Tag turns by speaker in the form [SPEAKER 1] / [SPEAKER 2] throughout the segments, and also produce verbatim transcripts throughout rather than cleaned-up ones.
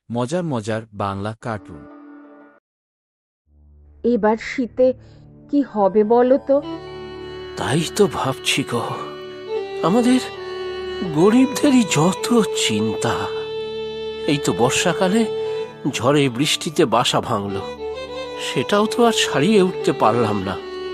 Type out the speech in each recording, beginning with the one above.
[SPEAKER 1] মজার মজার বাংলা কার্টুন।
[SPEAKER 2] এবার শীতে কি হবে বলো তো?
[SPEAKER 3] তাই তো ভাবছি গো, আমাদের গরিবদেরই যত চিন্তা। এই তো বর্ষাকালে ঝড়ে বৃষ্টিতে বাসা ভাঙলো, সেটাও তো আর ছাড়িয়ে উঠতে পারলাম না।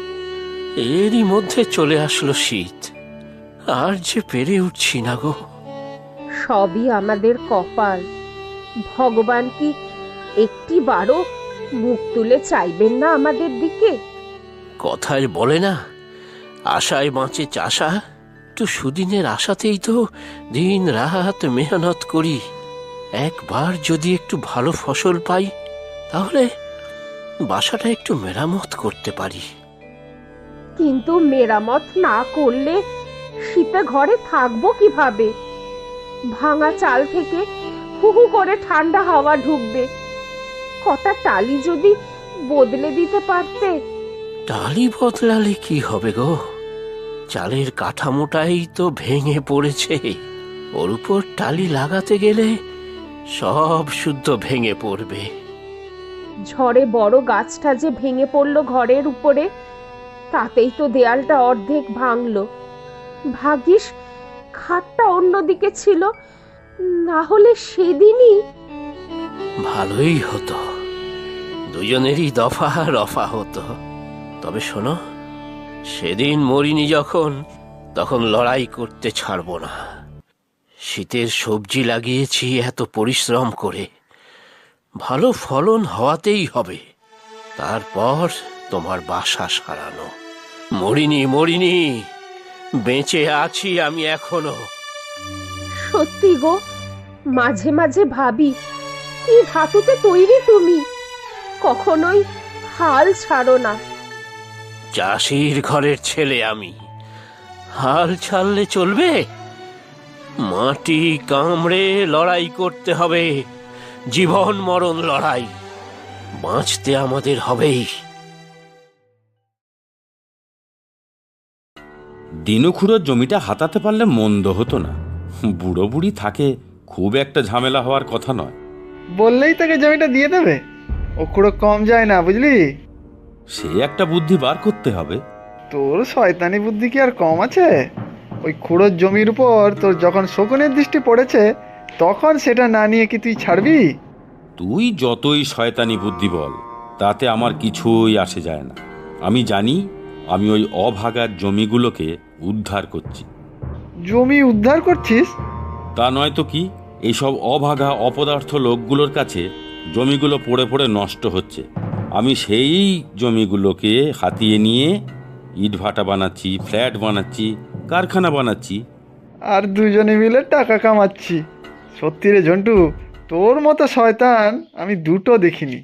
[SPEAKER 3] এরই মধ্যে চলে আসলো শীত, আর যে পেরে উঠছি না গো।
[SPEAKER 2] সবই আমাদের কপাল। ভগবান কি একটি বারও মুখ তুলে চাইবেন না আমাদের দিকে?
[SPEAKER 3] কথায় বলে না, আশায় বাঁচে চাষা। তো সুদিনের আশাতেই তো দিন রাত মেহনত করি। একবার যদি একটু ভালো ফসল পাই, তাহলে বাসাটা একটু মেরামত করতে পারি।
[SPEAKER 2] কিন্তু মেরামত না করলে শীতে ঘরে থাকবো কিভাবে? ভাঙা চাল থেকে হু হু করে ঠান্ডা হাওয়া ঢুকবে। কটা টালি যদি বদলে দিতে পারতে।
[SPEAKER 3] টালি বদলালে কি হবে গো? চালের কাঠামোটাই তো ভেঙে পড়েছে। ওর উপর টালি লাগাতে গেলে সব শুদ্ধ ভেঙে পড়বে।
[SPEAKER 2] ঝড়ে বড় গাছটা যে ভেঙে পড়লো ঘরের উপরে, তাতেই তো দেয়ালটা অর্ধেক ভাঙলো। ভাগ্যিস খাটটা অন্যদিকে ছিল, না হলে সেদিনই।
[SPEAKER 3] ভালোই হতো, দুজনেরই দফা রফা হতো। তবে শোনো, সেদিন মরিনি যখন, তখন লড়াই করতে ছাড়বো না। শীতের সবজি লাগিয়েছি এত পরিশ্রম করে, ভালো ফলন হওয়াতেই হবে। তারপর তোমার বাসা সারানো। মরিনি মরিনি, বেঁচে আছি আমি এখনো।
[SPEAKER 2] সত্যি গো, মাঝে মাঝে ভাবি কি ধাতুতে তৈরি তুমি। কখনোই হাল ছাড়ো না।
[SPEAKER 3] চাষির ঘরের ছেলে আমি, হাল ছাড়লে চলবে? মাটি কামড়ে লড়াই করতে হবে, জীবন মরণ লড়াই। বাঁচতে আমাদের হবেই।
[SPEAKER 4] দিনুখুড়োর জমিটা হাতাতে পারলে মন্দ হতো না। বুড়ো বুড়ি থাকে, খুব একটা ঝামেলা হওয়ার কথা নয়।
[SPEAKER 5] বললেই তাকে জমিটা দিয়ে দেবে, ও খুঁড়ো কম যায় না বুঝলি।
[SPEAKER 4] সে একটা বুদ্ধি বার করতে হবে।
[SPEAKER 5] তোর শয়তানি বুদ্ধি কি আর কম আছে? ওই খুঁড়োর জমির উপর তোর যখন শকুনের দৃষ্টি পড়েছে, তখন সেটা না নিয়ে কি তুই ছাড়বি?
[SPEAKER 4] তুই যতই শয়তানি বুদ্ধি বল, তাতে আমার কিছুই আসে যায় না। আমি জানি আমি ওই অভাগার জমিগুলোকে উদ্ধার করছি।
[SPEAKER 5] জমি উদ্ধার করছিস?
[SPEAKER 4] তা নয় তো কি, এইসব অভাগা অপদার্থ লোকগুলোর কাছে জমিগুলো পড়ে পড়ে নষ্ট হচ্ছে। আমি সেই জমিগুলোকে হাতিয়ে নিয়ে ইটভাটা বানাচ্ছি, ফ্ল্যাট বানাচ্ছি, কারখানা বানাচ্ছি।
[SPEAKER 5] আর দুজনে মিলে টাকা কামাচ্ছি। সত্যি রে ঝন্টু, তোর মতো শয়তান আমি দুটো দেখিনি।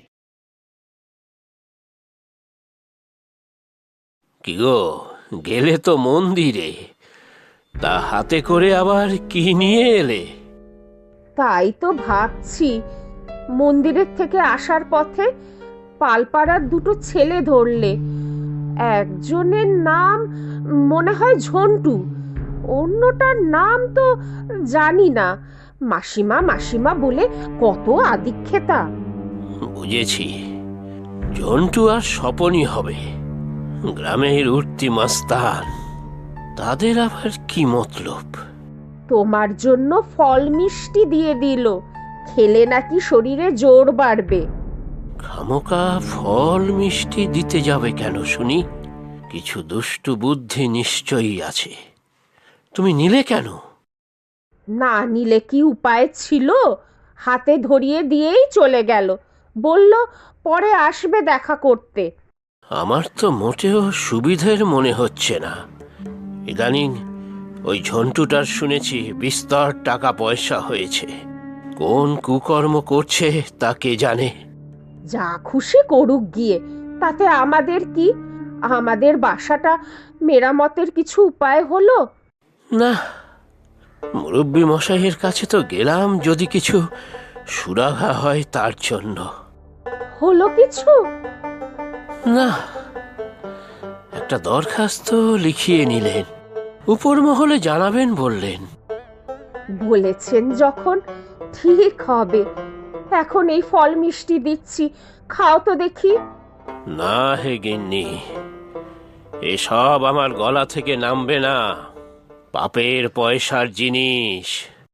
[SPEAKER 3] কি গো, গেলে তো মন্দিরে, তা হাতে করে আবার কি নিয়ে এলে?
[SPEAKER 2] তাই তো ভাবছি, মন্দিরের থেকে আসার পথে পালপাড়ার দুটো ছেলে ধরলে। একজনের নাম মনে হয় ঝন্টু, অন্যটার নাম তো জানি না। মাসিমা মাসিমা বলে কত আদিক্ষেতা।
[SPEAKER 3] বুঝেছি, জন্টু আর স্বপনই হবে, গ্রামের উঠতি মাস্তান। তাদের আবার কি মতলব?
[SPEAKER 2] তোমার জন্য ফল মিষ্টি দিয়ে দিল, খেলে নাকি শরীরে জোর বাড়বে।
[SPEAKER 3] খামোকা ফল মিষ্টি দিতে যাবে কেন শুনি? কিছু দুষ্টু বুদ্ধি নিশ্চয়ই আছে। তুমি নিলে কেন?
[SPEAKER 2] না নিলে কি উপায় ছিল? হাতে ধরিয়ে দিয়েই চলে গেল, বলল পরে আসবে দেখা করতে।
[SPEAKER 3] আমার তো মোটেও সুবিধের মনে হচ্ছে না। ইদানিং ওই ঝন্টুটার শুনেছি বিস্তর টাকা পয়সা হয়েছে। কোন কুকর্ম করছে তা কে জানে।
[SPEAKER 2] যা খুশি করুক গিয়ে, তাতে আমাদের কি? আমাদের বাসাটা মেরামতের কিছু উপায় হলো?
[SPEAKER 3] না, মুরব্বী মশাইয়ের কাছে তো গেলাম যদি কিছু সুরাহা হয় তার জন্য।
[SPEAKER 2] হলো কিছু?
[SPEAKER 3] না, একটা দরখাস্ত লিখিয়ে নিলেন, উপর মহলে জানাবেন বললেন।
[SPEAKER 2] বলেছেন যখন ঠিক হবে, এখন এই ফল মিষ্টি দিচ্ছি, খাও তো দেখি।
[SPEAKER 3] না হে গিন্নি, এসব আমার গলা থেকে নামবে না। পাপের পয়সার জিনিস।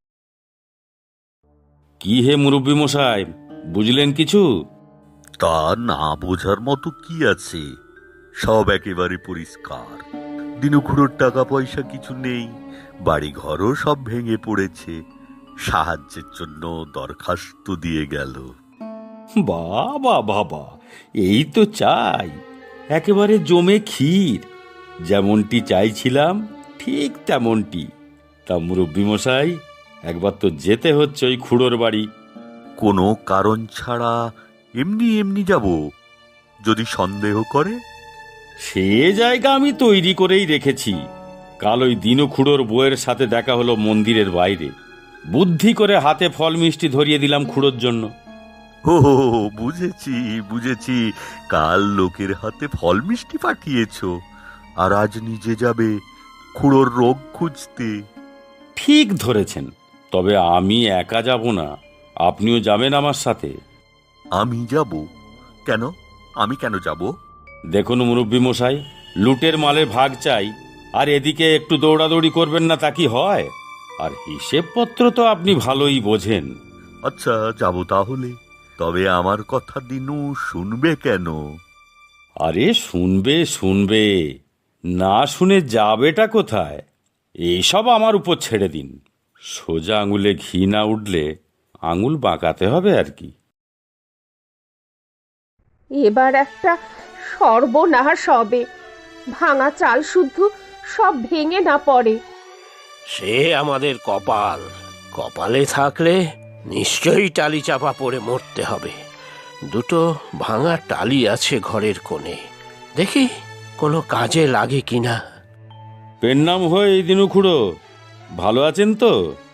[SPEAKER 4] কি হে মুরব্বী মশাই, বুঝলেন কিছু?
[SPEAKER 6] তা না বোঝার মতো কি আছে, সব একেবারে পরিষ্কার। দিনুখুড়োর টাকা পয়সা কিছু নেই, বাড়ি ঘরও সব ভেঙে পড়েছে। সাহায্যের জন্য দরখাস্ত দিয়ে গেল।
[SPEAKER 4] বাবা বাবা, এই তো চাই, একেবারে জমে ক্ষীর। যেমনটি চাইছিলাম ঠিক তেমনটি। তা মুরব্বী মশাই, একবার তো যেতে হচ্ছে ওই খুড়োর বাড়ি।
[SPEAKER 6] কোনো কারণ ছাড়া এমনি এমনি যাব? যদি সন্দেহ করে?
[SPEAKER 4] সে জায়গা আমি তৈরি করেই রেখেছি। কাল ওই দিনু খুড়োর বউয়ের সাথে দেখা হলো মন্দিরের বাইরে। বুদ্ধি করে হাতে ফল মিষ্টি ধরিয়ে দিলাম খুড়োর জন্য।
[SPEAKER 6] ও বুঝেছি বুঝেছি, কাল লোকের হাতে ফল মিষ্টি পাঠিয়েছ, আর আজ নিজে যাবে খুড়োর রোগ খুঁজতে।
[SPEAKER 4] ঠিক ধরেছেন, তবে আমি একা যাব না, আপনিও যাবেন আমার সাথে।
[SPEAKER 6] আমি যাব? কেন? আমি কেন যাব?
[SPEAKER 4] দেখুন মুরব্বী মশাই, লুটের মালের ভাগ চাই, আর এদিকে একটু দৌড়াদৌড়ি করবেন না তা কি হয়? আর হিসেবপত্র তো আপনি ভালোই বোঝেন।
[SPEAKER 6] আচ্ছা যাব তাহলে, তবে আমার কথা দিনু শুনবে কেন?
[SPEAKER 4] আরে শুনবে শুনবে, না শুনে যাবেটা কোথায়? এইসব আমার উপর ছেড়ে দিন। সোজা আঙুলে ঘি না উঠলে আঙুল বাঁকাতে হবে আর কি।
[SPEAKER 2] এবার একটা সর্বনাশ হবে, ভাঙা চাল শুদ্ধ সব ভেঙে না পড়ে।
[SPEAKER 3] সে আমাদের কপাল। কপালে থাকলে নিশ্চয়ই টালি চাপা পড়ে মরতে হবে। দুটো ভাঙা টালি আছে ঘরের কোণে, দেখি কোনো কাজে লাগে কিনা।
[SPEAKER 4] পেন নাম হয়ে এই দিনু খুড়ো, ভালো আছেন তো?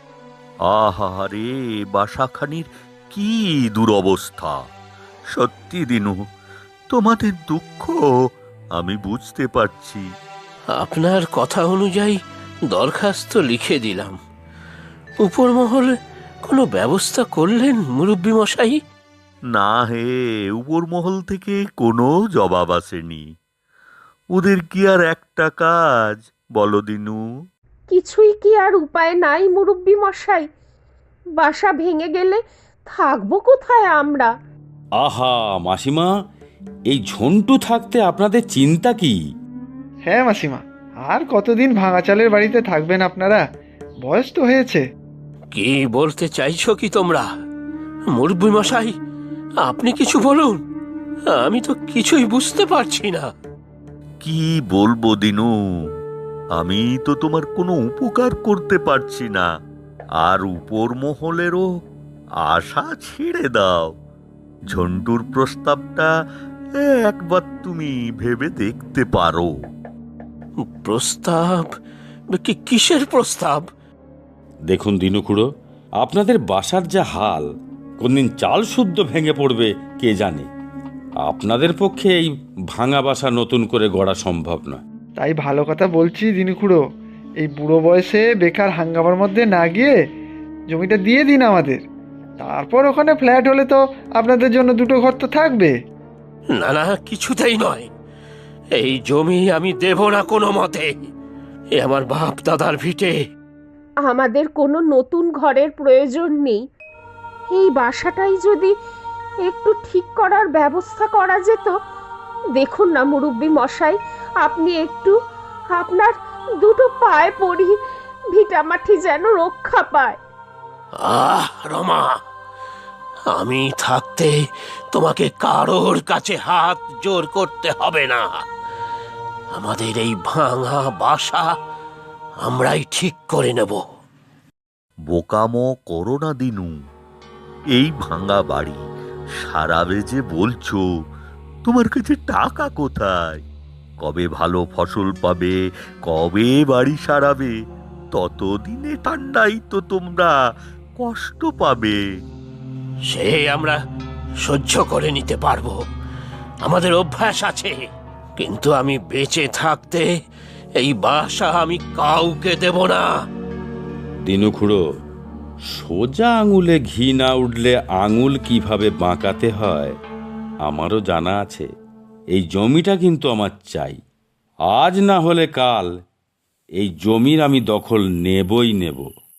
[SPEAKER 6] আহারে, বাসাখানির কি দুরবস্থা! সত্যি দিনু, তোমাদের দুঃখ আমি বুঝতে পারছি।
[SPEAKER 3] আপনার কথা অনুযায়ী দরখাস্ত লিখে দিলাম। উপর মহলে কোনো ব্যবস্থা করলেন মুরব্বী মশাই?
[SPEAKER 6] না হে, উপর মহল থেকে কোনো জবাব আসেনি। ওদের কি আর একটা কাজ বলো দিনু?
[SPEAKER 2] কিছুই কি আর উপায় নাই মুরব্বি মশাই? বাসা ভেঙে গেলে থাকবো কোথায় আমরা?
[SPEAKER 4] আহা মাসিমা, এই ঝন্টু থাকতে আপনাদের চিন্তা কি?
[SPEAKER 5] হ্যাঁ মাসিমা, আর কতদিন ভাঙা চালের বাড়িতে থাকবেন আপনারা? বয়স তো হয়েছে।
[SPEAKER 3] কি বলতে চাইছো কি তোমরা? মুরব্বী মশাই, আপনি কিছু বলুন, আমি তো কিছুই বুঝতে পারছি না।
[SPEAKER 6] কি বলবো দিনু, আমি তো তোমার কোনো উপকার করতে পারছি না। আর উপর মহলেরও আশা ছেড়ে দাও। ঝন্টুর প্রস্তাবটা একবার তুমি ভেবে দেখতে পারো।
[SPEAKER 3] প্রস্তাব? কি কিসের প্রস্তাব?
[SPEAKER 4] দেখুন দিনু খুড়ো, আপনাদের বাসার যা হাল, কোনদিন চাল শুদ্ধ ভেঙে পড়বে কে জানে। আপনাদের পক্ষে এই ভাঙা বাসা নতুন করে গড়া সম্ভব নয়।
[SPEAKER 5] তাই ভালো কথা বলছি দিনু খুড়ো, এই বুড়ো বয়সে বেকার হাঙ্গামার মধ্যে না গিয়ে জমিটা দিয়ে দিন আমাদের। তারপর ওখানে ফ্ল্যাট হলে তো আপনাদের জন্য দুটো ঘর তো থাকবে।
[SPEAKER 3] না না, কিছুতেই নয়। এই জমি আমি দেব না কোনো মতে। এ আমার বাপ দাদার ভিটে।
[SPEAKER 2] আমাদের কোনো নতুন ঘরের প্রয়োজন নেই। এই বাসাটাই যদি একটু ঠিক করার ব্যবস্থা করা যেত। দেখুন না মুরব্বি মশাই, আপনি একটু আপনার দুটো পায়ে পড়ি, ভিটামাটি যেন রক্ষা পায়।
[SPEAKER 3] আহ রমা, আমি থাকতে তোমাকে কারোর কাছে হাত জোর করতে হবে না। আমাদের এই ভাঙা বাসা আমরাই ঠিক করে নেব।
[SPEAKER 6] বোকামো করো না দিনু। এই ভাঙা বাড়ি সারাবে যে বলছো, তোমার কাছে টাকা কোথায়? কবে ভালো ফসল পাবে, কবে বাড়ি সারাবে, ততদিনে ঠান্ডাই তো তোমরা কষ্ট পাবে।
[SPEAKER 3] সে আমরা সহ্য করে নিতে পারবো, আমাদের অভ্যাস আছে। কিন্তু আমি বেঁচে থাকতে এই বাসা আমি কাউকে দেব না।
[SPEAKER 4] দিনু খুড়ো, সোজা আঙুলে ঘি না উঠলে আঙুল কিভাবে বাঁকাতে হয় আমারও জানা আছে। এই জমিটা কিন্তু আমার চাই। আজ না হলে কাল এই জমির আমি দখল নেবই নেব।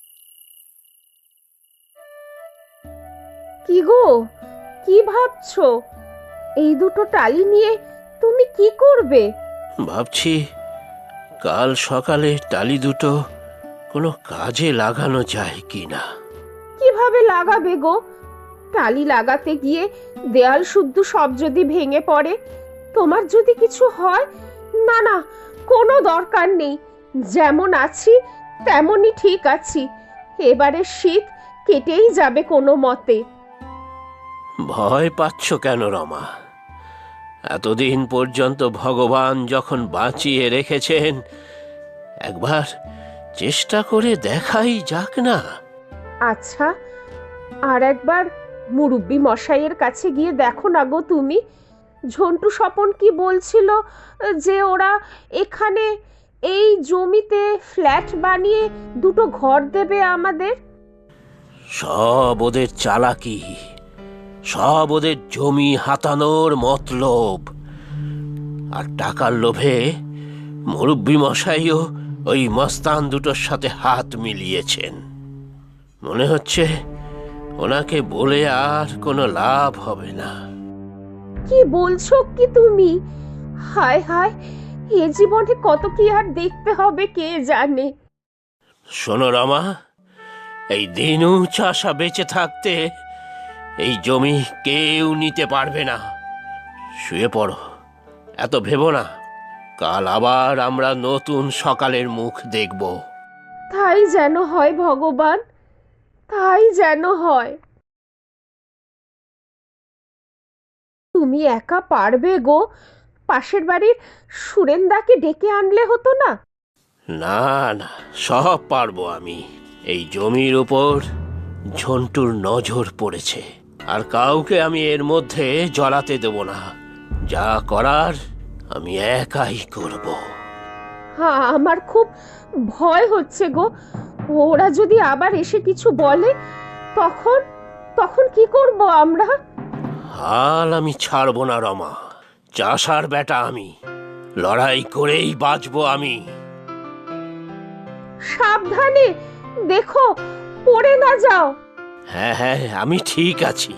[SPEAKER 2] কি গো, কি ভাবছো? এই দুটো টালি নিয়ে তুমি কি করবে?
[SPEAKER 3] ভাবছি কাল সকালে টালি দুটো কোনো কাজে লাগানো যায় কিনা।
[SPEAKER 2] কিভাবে লাগাবে গো? টালি লাগাতে গিয়ে দেয়াল শুদ্ধ সব যদি ভেঙে পড়ে, তোমার যদি কিছু হয়? না না, কোনো দরকার নেই। যেমন আছি তেমনই ঠিক আছি। এবারে শীত কেটেই যাবে কোনো মতে।
[SPEAKER 3] ভয় পাচ্ছ কেন রমা? এতদিন পর্যন্ত ভগবান যখন বাঁচিয়ে রেখেছেন, একবার চেষ্টা করে দেখাই যাক না।
[SPEAKER 2] আচ্ছা, আর একবার মুরব্বি মশাইয়ের কাছে গিয়ে দেখো না গো তুমি। ঝন্টু স্বপন কি বলছিল যে ওরা এখানে এই জমিতে ফ্ল্যাট বানিয়ে দুটো ঘর দেবে আমাদের।
[SPEAKER 3] সব ওদের চালাকি, সব ওদের জমি হাতানোর মতলব। আর টাকার লোভে মুরব্বি মশাইও ওই মস্তান দুটোর সাথে হাত মিলিয়েছেন। মনে হচ্ছে ওনাকে বলে আর কোনো লাভ হবে না।
[SPEAKER 2] কি বলছো কি তুমি? হায় হায়, এ জীবনে কত কি আর দেখতে হবে কে জানে।
[SPEAKER 3] শোনো রমা, এই দিনু চাষা বেঁচে থাকতে এই জমি কেউ নিতে পারবে না। শুয়ে পড়ো, এত ভেবো না। কাল আবার আমরা নতুন সকালের মুখ দেখব।
[SPEAKER 2] তাই যেন হয় ভগবান, তাই যেন হয়। তুমি একা পারবে গো? পাশের বাড়ির সুরেন্দাকে ডেকে আনলে হতো না?
[SPEAKER 3] না না, সব পারবো আমি। এই জমির উপর ঝন্টুর নজর পড়েছে, আর কাউকে আমি এর মধ্যে জড়াতে দেব না। যা করার আমি একাই করব।
[SPEAKER 2] হ্যাঁ, আমার খুব ভয় হচ্ছে গো। ওরা যদি আবার এসে কিছু বলে, তখন তখন কি করব আমরা?
[SPEAKER 3] হাল আমি ছাড়বো না রমা। চাষার বেটা আমি, লড়াই করেই বাঁচবো আমি।
[SPEAKER 2] সাবধানে, দেখো পড়ে না যাও।
[SPEAKER 3] হ্যাঁ হ্যাঁ, আমি ঠিক আছি।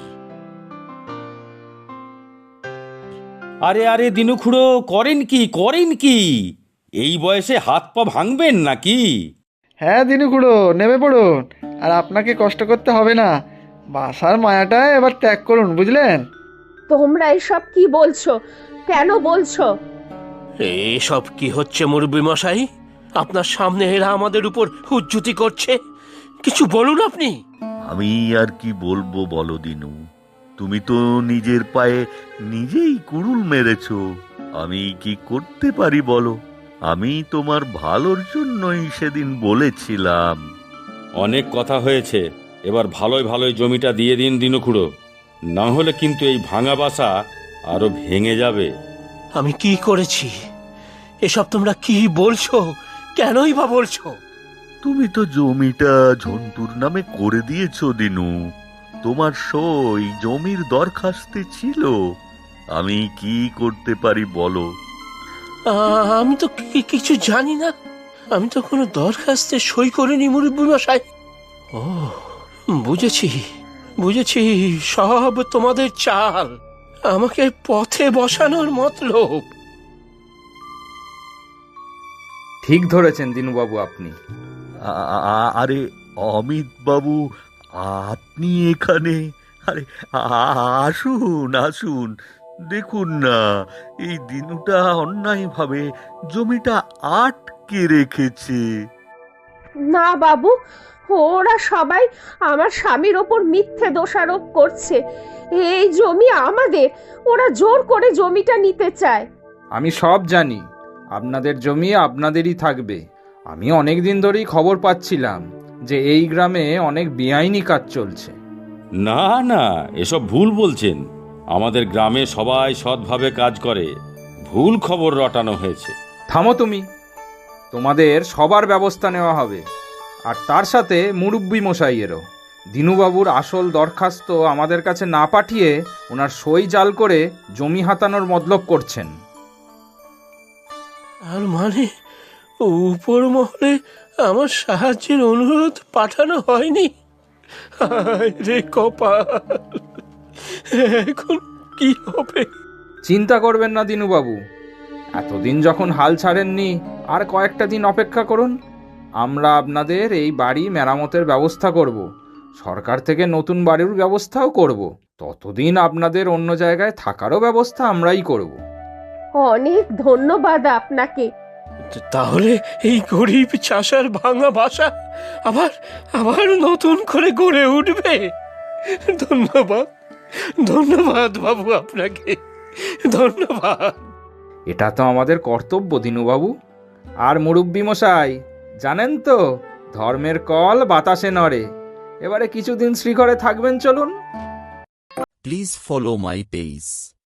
[SPEAKER 4] আরে আরে দিনু খুড়ো, করেন কি করেন কি? এই বয়সে হাত পা ভাঙবেন নাকি?
[SPEAKER 5] হ্যাঁ দিনু খুড়ো, নেমে পড়ুন। আর আপনাকে কষ্ট করতে হবে না। বাসার মায়াটা এবার ত্যাগ করুন, বুঝলেন?
[SPEAKER 2] তোমরা এসব কি বলছো? কেন বলছো?
[SPEAKER 3] এসব কি হচ্ছে মুরব্বি মশাই? আপনার সামনে এরা আমাদের উপর হুজ্জুতি করছে। কিছু বলুন আপনি।
[SPEAKER 6] আমি আর কি বলবো বলো দিনু? তুমি তো নিজের পায়ে নিজেই কুড়ুল মেরেছ। আমি কি করতে পারি বলো? আমি তোমার ভালোর জন্যই সেদিন বলেছিলাম।
[SPEAKER 4] অনেক কথা হয়েছে, এবার ভালোই ভালোই জমিটা দিয়ে দিন দিনু খুড়ো, না হলে কিন্তু এই ভাঙা বাসা আরো ভেঙে যাবে।
[SPEAKER 3] আমি কি করেছি? এসব তোমরা কি বলছো? কেনই বা বলছো?
[SPEAKER 6] তুমি তো জমিটা ঝন্টুর নামে করে দিয়েছ দিনু। তোমার সই জমির দরখাস্তে ছিল। আমি কি করতে পারি বলো?
[SPEAKER 3] আ- আমি তো কি- কিছু জানি না। আমি তো কোনো দরখাস্তে সই করিনি মুরব্বি মশাই। ও, বুঝেছি বুঝেছি, সব তোমাদের চাল, আমাকে পথে বসানোর মতলব।
[SPEAKER 7] ঠিক ধরেছেন দিনুবাবু আপনি।
[SPEAKER 6] আ- আ- আরে অমিত বাবু, আপনি এখানে? আরে আ- আসুন আসুন, দেখুন না, এই দিনুটা অন্যায়ভাবে জমিটা আটকে রেখেছে।
[SPEAKER 2] না বাবু, ওরা সবাই আমার স্বামীর ওপর মিথ্যে দোষারোপ করছে। এই জমি আমাদের, ওরা জোর করে জমিটা নিতে চায়।
[SPEAKER 7] আমি সব জানি, আপনাদের জমি আপনাদেরই থাকবে। আমি অনেক দিন ধরেই খবর পাচ্ছিলাম যে এই গ্রামে অনেক বেআইনি কাজ চলছে।
[SPEAKER 4] না না, এসব ভুল বলছেন। আমাদের গ্রামে সবাই সৎভাবে কাজ করে। ভুল খবর রটানো হয়েছে।
[SPEAKER 7] থামো তুমি। তোমাদের সবার ব্যবস্থা নেওয়া হবে, আর তার সাথে মুরব্বি মশাইয়েরও। দিনুবাবুর আসল দরখাস্ত আমাদের কাছে না পাঠিয়ে ওনার সই জাল করে জমি হাতানোর মতলব করছেন।
[SPEAKER 3] আর মানে উপর মহলে আমার সাহায্যের অনুরোধ পাঠানো হয়নি? হায় রে কপাল, এখন কি হবে?
[SPEAKER 7] চিন্তা করবেন না দিনুবাবু, এতদিন যখন হাল ছাড়েননি আর কয়েকটা দিন অপেক্ষা করুন। আমরা আপনাদের এই বাড়ি মেরামতের ব্যবস্থা করব, সরকার থেকে নতুন বাড়ির ব্যবস্থাও করব। ততদিন আপনাদের অন্য জায়গায় থাকারও ব্যবস্থা আমরাই করব।
[SPEAKER 2] অনেক ধন্যবাদ আপনাকে।
[SPEAKER 3] তাহলে এই গরিব চাষার ভাঙা বাসা আবার আবার নতুন করে গড়ে উঠবে। ধন্যবাদ, ধন্যবাদ বাবু, আপনাকে ধন্যবাদ।
[SPEAKER 7] এটা তো আমাদের কর্তব্য দিনুবাবু। আর মুরব্বি মশাই, জানেন তো, ধর্মের কল বাতাসে নড়ে। এবারে কিছুদিন শ্রীঘরে থাকবেন, চলুন।
[SPEAKER 1] Please follow my page.